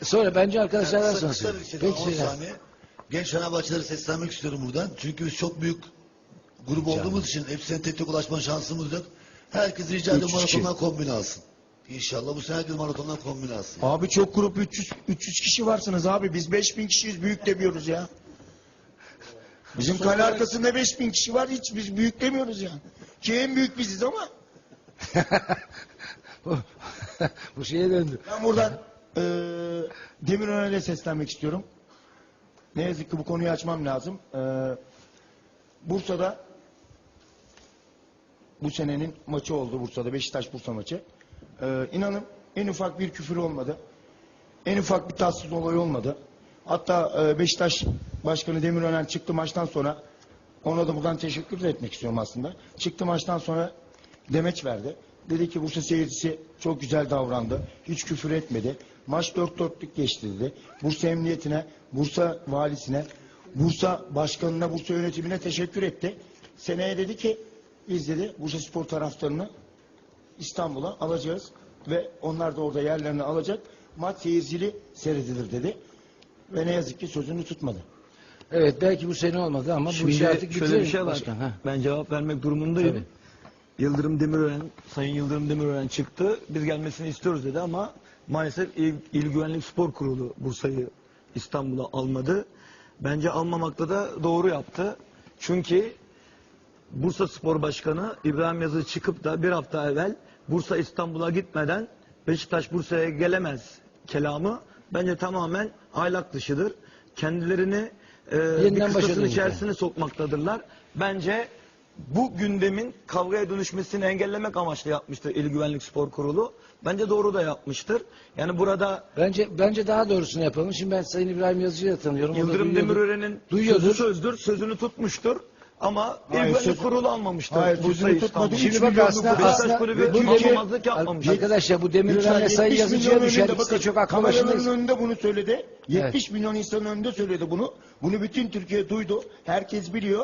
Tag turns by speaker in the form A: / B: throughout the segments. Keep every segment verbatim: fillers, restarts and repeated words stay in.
A: Sonra bence arkadaşlardan
B: Yani
A: sonra
B: kısa bir
A: söyleyeyim.
B: şey,
A: Peki
B: on
A: Seyhan.
B: saniye. Genç Fenerbahçeleri seslenmek istiyorum buradan. Çünkü biz çok büyük grup
A: Canım.
B: olduğumuz için hepsine tek tek ulaşma şansımız yok. Herkes rica ediyorum
A: üç yüz kişi.
B: maratondan kombin alsın. İnşallah bu sene herkes maratondan kombin alsın.
C: Abi çok grup üç yüz, üç yüz kişi varsınız abi. Biz beş bin kişiyiz, büyük demiyoruz ya. Bizim kale arkasında beş bin kişi var, hiç biz büyük demiyoruz ya. Ki en büyük biziz ama.
A: Bu şeye döndü.
C: Ben buradan eee Demirören'e seslenmek istiyorum. Ne yazık ki bu konuyu açmam lazım. Eee, Bursa'da bu senenin maçı oldu, Bursa'da Beşiktaş-Bursa maçı. Eee inanın en ufak bir küfür olmadı. En ufak bir tatsız olay olmadı. Hatta eee, Beşiktaş Başkanı Demirören çıktı maçtan sonra, ona da buradan teşekkür de etmek istiyorum aslında. Çıktı maçtan sonra demeç verdi. Dedi ki Bursa seyircisi çok güzel davrandı. Hiç küfür etmedi. Maç dört dörtlük geçti dedi. Bursa Emniyetine, Bursa Valisine, Bursa Başkanına, Bursa Yönetimine teşekkür etti. Seneye dedi ki biz dedi Bursa Spor taraftarını İstanbul'a alacağız ve onlar da orada yerlerini alacak. Maç seyircili seyredilir dedi. Ve ne yazık ki sözünü tutmadı.
A: Evet, belki bu sene olmadı ama bu
D: Şimdi
A: işi artık
D: şöyle
A: bitirelim
D: bir şey var.
A: başkan. Ha.
D: Ben cevap vermek durumundayım.
A: Tabii.
D: Yıldırım Demirören, Sayın Yıldırım Demirören çıktı. Biz gelmesini istiyoruz dedi ama maalesef İl, İl Güvenlik Spor Kurulu Bursa'yı İstanbul'a almadı. Bence almamakta da doğru yaptı. Çünkü Bursa Spor Başkanı İbrahim Yazı çıkıp da bir hafta evvel Bursa İstanbul'a gitmeden Beşiktaş Bursa'ya gelemez kelamı bence tamamen ahlak dışıdır. Kendilerini e, bir
A: Yeniden
D: kıstasın
A: başladınız
D: içerisine sokmaktadırlar. Bence bu gündemin kavgaya dönüşmesini engellemek amaçlı yapmıştır İl Güvenlik Spor Kurulu. Bence doğru da yapmıştır. Yani burada
A: Bence bence daha doğrusunu yapalım. Şimdi ben Sayın İbrahim Yazıcı'yı da tanıyorum. O da
D: Yıldırım
A: duyuyordur.
D: Demirören'in
A: Duyuyordur.
D: sözü sözdür, sözünü tutmuştur. Ama İl
C: Hayır,
D: Güvenlik
C: söz-
D: Kurulu almamıştır.
C: Hayır,
D: Bursa'yı
C: sözünü tutmadı.
D: İstanbul'a.
C: Şimdi
A: Şimdi bak
C: milyonluk
A: aslında,
C: Beşiktaş
A: aslında
D: Kulübü
A: bu
D: tutmamazlık
A: Demir-
D: yapmamış.
A: Arkadaşlar bu Demirören'le
C: Lütfen,
A: Sayın
C: yetmiş
A: Yazıcı'ya
C: milyon
A: düşer.
C: önünde,
A: Biz de
C: bakın,
A: çok aklı
C: kameraların
A: başındayız.
C: önünde bunu söyledi. yetmiş milyon insanın önünde söyledi bunu. Bunu bütün Türkiye duydu. Herkes biliyor.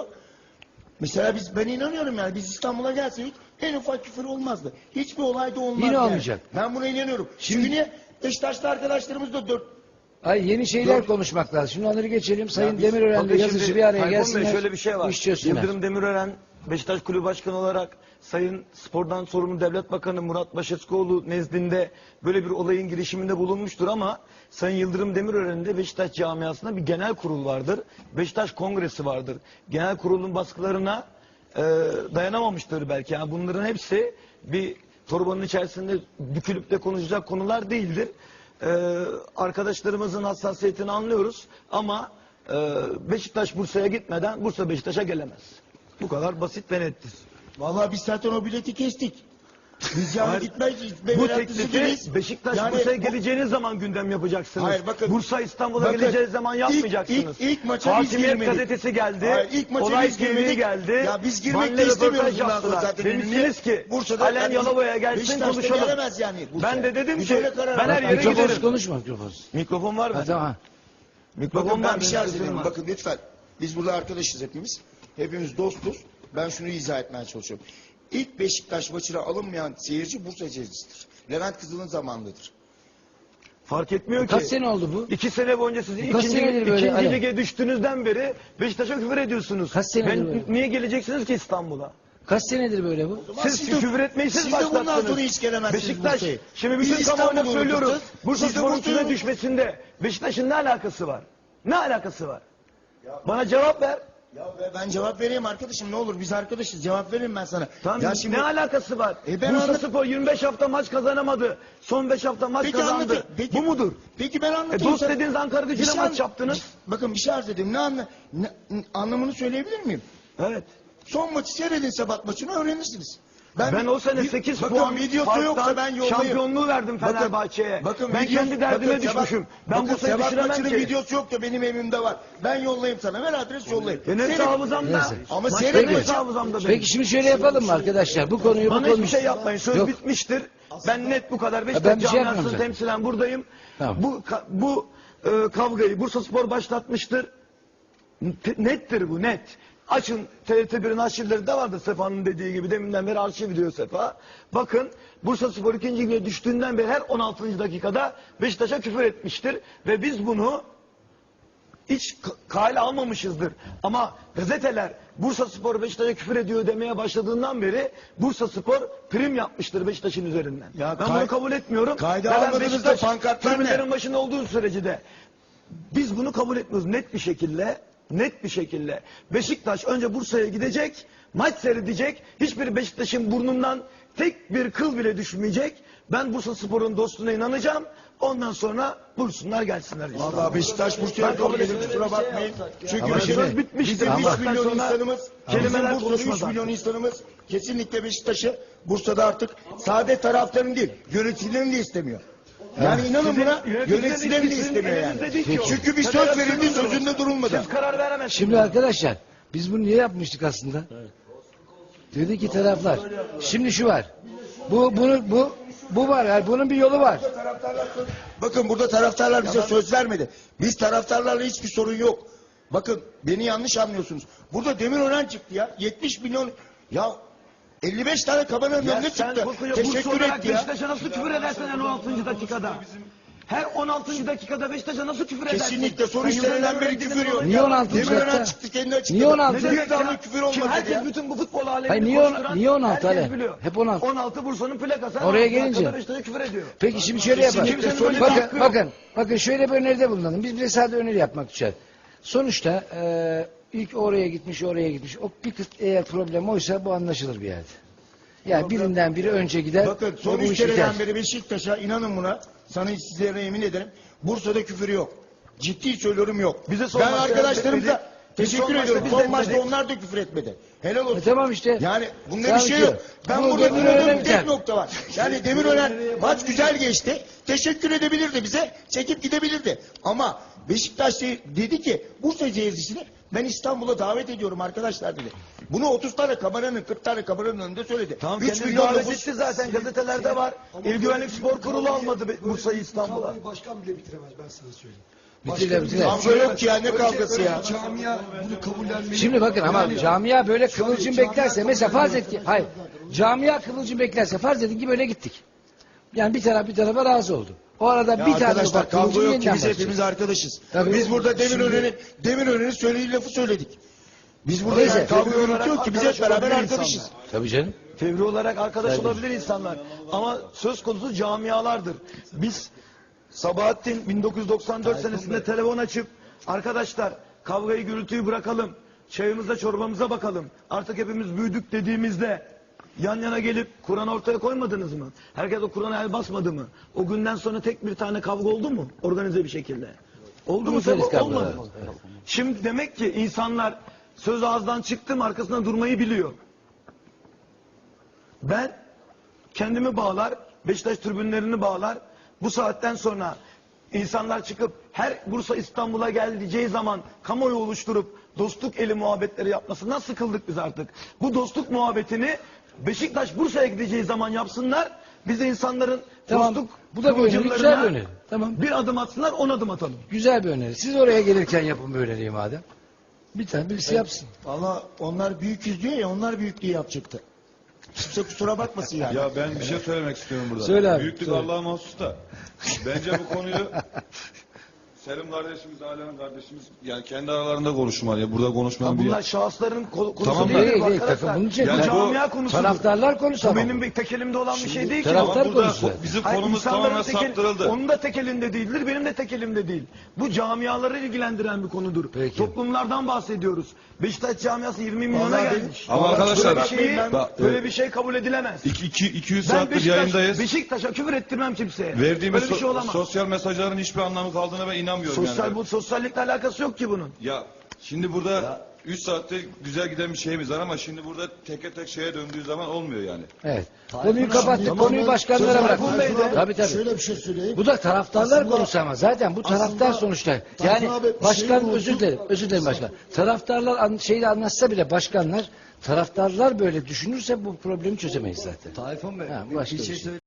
C: Mesela biz, ben inanıyorum yani, biz İstanbul'a gelseydik en ufak küfür olmazdı. Hiçbir olay da olmazdı.
A: Yine
C: yani.
A: olmayacak.
C: Ben buna inanıyorum. Şimdi niye Beşiktaşlı arkadaşlarımız da dört
A: Ay, yeni şeyler
C: Dur.
A: konuşmak lazım. Şimdi onları geçelim. Sayın
D: biz-
A: Demirören'le
D: Bakın
A: Yazıcı
D: şimdi
A: bir araya
D: Tayfun Bey,
A: gelsinler.
D: şöyle bir şey var.
A: Bu işi çözsünler.
D: Yıldırım Demirören Beşiktaş Kulübü Başkanı olarak Sayın Spor'dan sorumlu Devlet Bakanı Murat Başeskoğlu nezdinde böyle bir olayın girişiminde bulunmuştur ama Sayın Yıldırım Demirören'in de Beşiktaş camiasında bir genel kurul vardır. Beşiktaş Kongresi vardır. Genel kurulun baskılarına e, dayanamamıştır belki. Yani bunların hepsi bir torbanın içerisinde bükülüp de konuşacak konular değildir. E, arkadaşlarımızın hassasiyetini anlıyoruz ama e, Beşiktaş Bursa'ya gitmeden Bursa Beşiktaş'a gelemez. Bu kadar basit ve nettir.
C: Vallahi biz zaten o bileti kestik. Biz yani
D: Hayır,
C: gitmeyiz.
D: Bu teklifi Beşiktaş
C: Yani
D: Bursa'ya
C: bu-
D: geleceğiniz zaman gündem yapacaksınız.
C: Hayır, bakın-
D: Bursa İstanbul'a
C: bakın,
D: geleceğiz zaman
C: ilk-
D: yapmayacaksınız.
C: ilk- ilk maça biz
D: Hakimiyet
C: girmedik.
D: gazetesi geldi.
C: Hayır, ilk maça
D: Olay
C: biz
D: T V
C: girmedik.
D: geldi.
C: Ya biz girmek
D: Benle
C: de istemiyoruz
D: röportaj
C: bundan sonra
D: yaptılar.
C: zaten.
D: Demişsiniz
C: Niye?
D: ki
C: Bursa'da
D: Alen
C: yani
D: Yalova'ya gelsin
C: Beşiktaş'ta
D: konuşalım.
C: gelemez yani Bursa'ya.
D: Ben de dedim
C: Biz
D: ki
C: öyle karar
D: ben her
C: aldık.
D: yere
A: Mikrofonsuz
D: giderim.
A: konuşma mikrofonsuz.
D: Mikrofon var mı?
A: Ha, tamam.
D: Mikrofon
C: Bakın
D: var
C: ben bir şey
D: benim
C: arz
D: sözüm
C: ediyorum.
D: var.
C: Bakın lütfen. Biz burada arkadaşız hepimiz. Hepimiz dostuz. Ben şunu izah etmeye çalışıyorum. İlk Beşiktaş maçına alınmayan seyirci Bursa seyircisidir. Levent Kızıl'ın zamanındadır.
D: Fark etmiyor ki.
A: Kaç sene oldu bu?
D: İki sene boyunca siz
A: Kaç
D: ikinci,
A: senedir böyle,
D: ikinci
A: Ali?
D: lige düştüğünüzden beri Beşiktaş'a küfür ediyorsunuz.
A: Kaç senedir
D: ben,
A: böyle?
D: niye geleceksiniz ki İstanbul'a?
A: Kaç senedir böyle bu?
D: Siz,
C: Siz de-
D: küfür etmeyi siz,
C: siz de bundan
D: başlattınız.
C: sonra hiç gelemezsiniz
D: Beşiktaş,
C: Bursa'ya.
D: şimdi
C: Biz
D: bütün
C: İstanbul'u
D: kamuoyuna söylüyoruz.
C: unuttuk.
D: Bursa
C: Siz de
D: Spor'un
C: Bursa'yı
D: küme
C: unut-
D: düşmesinde Beşiktaş'ın ne alakası var? Ne alakası var? Bana cevap ver.
C: Ya be- ben cevap vereyim arkadaşım, ne olur, biz arkadaşız, cevap vereyim ben sana.
D: Tamam,
C: Ya şimdi
D: ne alakası var?
C: E ben
D: Bursa
C: anlat-
D: Spor yirmi beş hafta maç kazanamadı. Son beş hafta maç
C: Peki
D: kazandı.
C: anlatın. Peki-
D: Bu mudur?
C: Peki ben
D: E,
C: anlatayım.
D: dost
C: sana.
D: dediğiniz Ankara
C: Bir
D: Gücü'ne
C: şey
D: maç
C: an-
D: yaptınız.
C: Bakın bir şey arz edeyim. Ne, anla, ne, anlamını söyleyebilir miyim?
D: Evet.
C: Son maçı seyredin, Sebat maçını öğrenirsiniz.
D: Ben o sene
C: bir-
D: sekiz
C: bakın,
D: puan
C: videosu
D: farktan
C: yoksa ben yollayayım.
D: şampiyonluğu verdim
C: Bakın-
D: Fenerbahçe'ye.
C: bakın
D: Ben
C: video-
D: kendi derdime
C: bakın Sebat-
D: düşmüşüm. Ben
C: bakın
D: Bursa'yı
C: Sebat
D: düşüremem
C: maçının
D: ki.
C: videosu yok da benim evimde var. Ben yollayayım sana. Ver adres yollayayım.
D: Benim
C: Seyret.
D: hafızamda.
A: Neyse.
C: Ama
D: Maçların
C: seyret
D: hepsi
C: maçı.
D: hafızamda benim.
A: Peki şimdi şöyle yapalım mı arkadaşlar? Bu konuyu bu
D: Bana
A: konu...
D: hiçbir şey yapmayın. Söz
A: Yok.
D: bitmiştir. Ben net bu kadar.
A: ben
D: Beşiktaş
A: bir şey yapmam
D: camiasını
A: zaten.
D: temsilen buradayım.
A: Tamam.
D: Bu ka- bu e, kavgayı Bursa Spor başlatmıştır. T- Nettir bu net. Açın T R T birin arşivleri de vardı Sefa'nın dediği gibi. Deminden beri arşiv diyor Sefa. Bakın Bursaspor ikinci lige düştüğünden beri her on altıncı dakikada Beşiktaş'a küfür etmiştir. Ve biz bunu hiç k- kale almamışızdır. Ama gazeteler Bursaspor Beşiktaş'a küfür ediyor demeye başladığından beri Bursaspor prim yapmıştır Beşiktaş'ın üzerinden.
C: Ya
D: ben
C: kay-
D: bunu kabul etmiyorum.
C: kayda
D: Ve ben
C: almadığınızda
D: Beşiktaş
C: pankartlar ne?
D: tribünlerin başında olduğu sürece de biz bunu kabul etmiyoruz. Net bir şekilde, net bir şekilde. Beşiktaş önce Bursa'ya gidecek, maç seyredecek. Hiçbir Beşiktaş'ın burnundan tek bir kıl bile düşmeyecek. Ben Bursaspor'un dostluğuna inanacağım. Ondan sonra buyursunlar gelsinler.
C: Vallahi Beşiktaş Bursa'ya
D: Ben kabul
C: kabul edin,
D: ediyorum.
C: kusura
D: Öyle bir şey
C: bakmayın.
D: yapsak ya.
C: Çünkü
A: Ama
C: bizim,
A: şimdi-
D: bitmiştir.
C: bizim
D: Ama
C: üç milyon
D: sonra
C: insanımız,
D: kelimeler
C: bizim Bursa'da üç
D: konuşmaz
C: milyon
D: artık.
C: insanımız kesinlikle Beşiktaş'ı Bursa'da artık sade taraftarın değil, yöneticilerin de istemiyor. Yani inanın
D: Sizin
C: buna
D: yöneticilerin
C: yöneticilerin de
D: sizin
C: istemiyor yani.
D: elinizde değil ki o.
C: Çünkü bir söz
D: Federasyonun
C: verildi,
D: da o.
C: sözünde durulmadı.
D: Siz karar veremezsiniz.
A: Şimdi arkadaşlar biz bunu niye yapmıştık aslında? Dedi ki taraflar. Şimdi şu var. Bu bunu bu bu var. Yani bunun bir yolu var.
C: Taraftarlar söz- Bakın burada taraftarlar bize söz vermedi. Biz taraftarlarla hiçbir sorun yok. Bakın beni yanlış anlıyorsunuz. Burada Demirören çıktı ya. yetmiş milyon ya elli beş tane kameranın
D: Ya
C: önüne
D: sen
C: çıktı.
D: Bursa- Bursa
C: Teşekkür
D: olarak
C: etti ya.
D: Beşiktaş'a nasıl küfür edersen en on altıncı dakikada? Her on altıncı dakikada Beşiktaş'a nasıl küfür edersin?
C: Kesinlikle soru
D: Sen
C: işlerinden
D: Yıldırım
C: beri
D: Öğretmen'in
C: küfür yok.
A: Niye on altıncı
C: Demirören
A: dakika?
C: çıktı kendi açıkladı.
A: Niye on altıncı
C: Bir
A: dakika?
C: damla küfür olmadı
D: Kim
C: dedi
D: herkes
C: ya.
D: bütün bu futbol alemini
A: Hayır, niye on-
D: koşturan
A: niye on altı
D: herkes
A: Ale?
D: biliyor.
A: Hep on altı.
D: on altı Bursa'nın plakası.
A: Oraya
D: on altı
A: gelince-
D: dakikada Beşiktaş'a küfür ediyor.
A: Peki şimdi şöyle yapalım.
D: Kimsenin böyle bir
A: Bakın,
D: hakkı yok.
A: bakın, bakın şöyle bir öneride bulunalım. Biz bize sadece öneri yapmak düşer. Sonuçta e, ilk oraya gitmiş, oraya gitmiş. O bir kız eğer problem oysa bu anlaşılır bir yerde. Yani birinden biri önce gider.
C: Bakın
A: ve
C: son
A: bu
C: üç
A: iş biter.
C: kereden beri Beşiktaş'a inanın buna. Sana sizlere yemin ederim. Bursa'da küfür yok. Ciddi söylüyorum yok.
D: Bize son
C: ben
D: maçta
C: arkadaşlarımıza
D: etmedi. Biz
C: teşekkür
D: son maçta
C: ediyorum.
D: biz
C: Son
D: etmedik.
C: maçta onlar da küfür etmedi. Helal olsun.
A: E tamam işte.
C: Yani bunda
A: Sanki
C: bir şey yok. Ben
A: bu
C: burada
A: Demirören'e
C: dinlediğim
A: biter.
C: tek nokta var. Yani Demirören maç güzel geçti. Teşekkür edebilirdi bize. Çekip gidebilirdi. Ama Beşiktaş de- dedi ki Bursa seyircisini ben İstanbul'a davet ediyorum arkadaşlar dedi. Bunu otuz tane kameranın kırk tane kameranın önünde söyledi.
D: Tamam
C: üç
D: kendi
C: milyon
D: davet
C: nüfus-
D: etti zaten gazetelerde var. İl Güvenlik Spor Kurulu almadı Be- Bursa'yı İstanbul'a.
E: Kavgayı başkan bile bitiremez ben sana söyleyeyim.
A: Bitirler, bitirler.
C: Kavga yok ki ya ne kavgası ya.
E: Camia bunu kabullenmeli.
A: Şimdi bakın ama
E: Yani-
A: camia böyle
E: Şu an
A: kıvılcım
E: camia
A: beklerse mesela
E: kabul
A: farz et
E: ediyor.
A: ki hayır camia kıvılcım beklerse farz edin ki böyle gittik. Yani bir taraf bir tarafa razı oldu. O arada
C: Ya
A: bir tane
C: arkadaşlar
A: ufak
C: kavga
A: kıvılcım
C: yok ki
A: yeniden
C: biz
A: başlayacak.
C: hepimiz arkadaşız.
A: Tabii.
C: Biz burada Demirören'in Demirören'in söylediği lafı söyledik. Biz burada
A: Neyse.
C: yani kavga
D: Fevri
C: gürültü yok ki biz hep
D: olarak
C: beraber
D: arkadaş
C: arkadaşız.
D: olabilir
A: Tabii canım.
D: Fevri olarak arkadaş
A: Tabii.
D: olabilir insanlar. Ama söz konusu camialardır. Biz Sabahattin bin dokuz yüz doksan dört senesinde telefon açıp arkadaşlar kavgayı gürültüyü bırakalım. Çayımıza çorbamıza bakalım. Artık hepimiz büyüdük dediğimizde yan yana gelip Kur'an ortaya koymadınız mı? Herkes o Kur'an'a el basmadı mı? O günden sonra tek bir tane kavga oldu mu? Organize bir şekilde. Oldu mu?
A: Uluslararası
D: Sebep
A: kavgalar.
D: olmadı. Şimdi demek ki insanlar söz ağızdan çıktı mı arkasında durmayı biliyor. Ben kendimi bağlar, Beşiktaş tribünlerini bağlar. Bu saatten sonra insanlar çıkıp her Bursa İstanbul'a geleceği zaman kamuoyu oluşturup dostluk eli muhabbetleri yapmasından sıkıldık biz artık. Bu dostluk muhabbetini Beşiktaş Bursa'ya gideceği zaman yapsınlar. Biz de insanların
A: Tamam.
D: dostluk
A: Bu da bir öneri,
D: kıvılcımlarına
A: güzel bir öneri. Tamam.
D: bir adım atsınlar, on adım atalım.
A: Güzel bir öneri. Siz oraya gelirken yapın bu öneriyi madem. Bir tane birisi yapsın.
C: Valla onlar büyüküz diyor ya onlar büyüklüğü yapacaktı. Kimse kusura bakmasın yani.
F: Ya ben bir şey söylemek istiyorum burada.
A: Söyle abi,
F: Büyüklük
A: söyle.
F: Allah'a mahsus da. Bence bu konuyu Selim kardeşimiz, Alem kardeşimiz yani kendi aralarında konuşmalı. Ya burada konuşmayan
D: Ya
F: bir
D: bunlar şahısların ko- konusu
F: Tamam
D: değil,
F: da-
A: Değil, değil,
D: arkadaşlar.
A: takım bunun için.
D: Bu
F: Yani bu
D: camia konusudur.
A: Taraftarlar konusu
D: Bu
A: ama.
D: benim bir tek elimde olan bir şey değil ki.
A: taraftar
F: Ama burada
A: konusu.
F: ko- bizim
D: Hayır,
F: konumuz
D: insanların
F: tamamen
D: tek el-
F: saptırıldı.
D: Onun da tek elinde değildir, benim de tek elimde değil. Bu camiaları ilgilendiren bir konudur.
A: Peki.
D: Toplumlardan bahsediyoruz. Beşiktaş camiası yirmi milyona
C: Vallahi ben-
D: gelmiş.
F: Ama arkadaşlar-
D: böyle bir, şeyi,
F: Bak,
D: böyle
F: e,
D: bir şey kabul edilemez.
F: iki, iki, iki yüz
D: Ben
F: saattir
D: Beşiktaş,
F: yayındayız.
D: Beşiktaş'a küfür ettirmem kimseye.
F: Verdiğimiz
D: böyle bir şey
F: so-
D: olamaz.
F: sosyal mesajların hiçbir anlamı kaldığına ben inanmıyorum
D: Sosyal,
F: yani.
D: bu sosyallikle alakası yok ki bunun.
F: Ya şimdi burada üç saatte güzel giden bir şeyimiz var ama şimdi burada teke tek şeye döndüğü zaman olmuyor yani.
A: Evet. Konuyu kapattık.
E: Tamam,
A: Konuyu
E: ben-
A: başkanlara
E: Söz
A: bıraktık.
E: Tayfun Bey de-
A: Tabii tabii.
E: Şöyle bir şey söyleyeyim.
A: Bu da taraftarlar
E: Aslında-
A: konusu ama zaten bu taraftar
E: aslında-
A: sonuçta.
E: Tayfun
A: Yani
E: abi, bir
A: başkan
E: şey
A: özür
E: oldu.
A: dilerim. Özür dilerim başkan. Taraftarlar an, şeyle anlatsa bile başkanlar taraftarlar böyle düşünürse bu problemi çözemeyiz zaten.
G: Tayfun Bey,
A: Ha, bu
G: bir
A: başka
G: bir
A: bir
G: şey
A: şey.
G: söyle.